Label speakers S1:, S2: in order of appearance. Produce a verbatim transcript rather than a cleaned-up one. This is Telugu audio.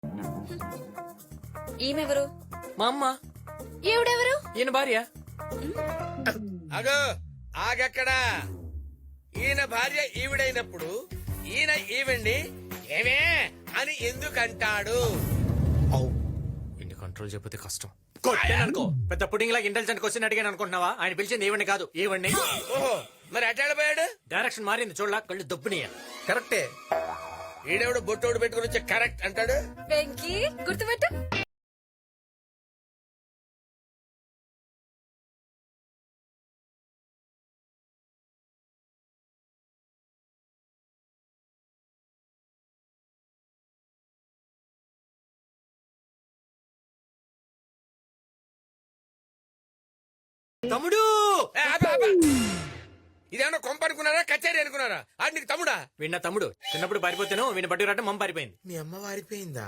S1: ఈమెవరు?
S2: మా అమ్మ.
S1: ఈవిడెవరు?
S2: ఈయన భార్య.
S3: అగో ఆగక్కడా. ఈయన భార్య ఈవిడైనప్పుడు ఈయన ఈవిడ్ని ఏమే అని ఎందుకంటాడు?
S2: ఇన్ని కంట్రోల్ చెప్పితే కష్టం. కొట్టాననుకో పెద్ద పుడింగ్ లాగా ఇంటెలిజెంట్ క్వశ్చన్ అడిగాను అనుకుంటున్నావా? ఆయన పిలిచింది ఈవెంట్ కాదు ఈవెంట్ని.
S3: ఓహో మరి అటాడిపోయాడు.
S2: డైరెక్షన్ మారింది చూడలా, కళ్ళు దబ్బునియ.
S3: కరెక్టే. ఈడెవడు బొట్టోడు పెట్టుకుని వచ్చి కరెక్ట్ అంటాడు.
S1: వెంకీ గుర్తుపెట్టు.
S2: తమ్ముడు
S3: ఏ, ఆపు, ఆపు. ఇదేమన్నా కొంప అనుకున్నారా కచేరీ అనుకున్నారా? ఆడు నీకు తమ్ముడా?
S2: వీణ తమ్ముడు చిన్నప్పుడు పారిపోతాను వీణ బట్టి రావటం మమ్మ పారిపోయింది.
S3: మీ అమ్మ వారిపోయిందా?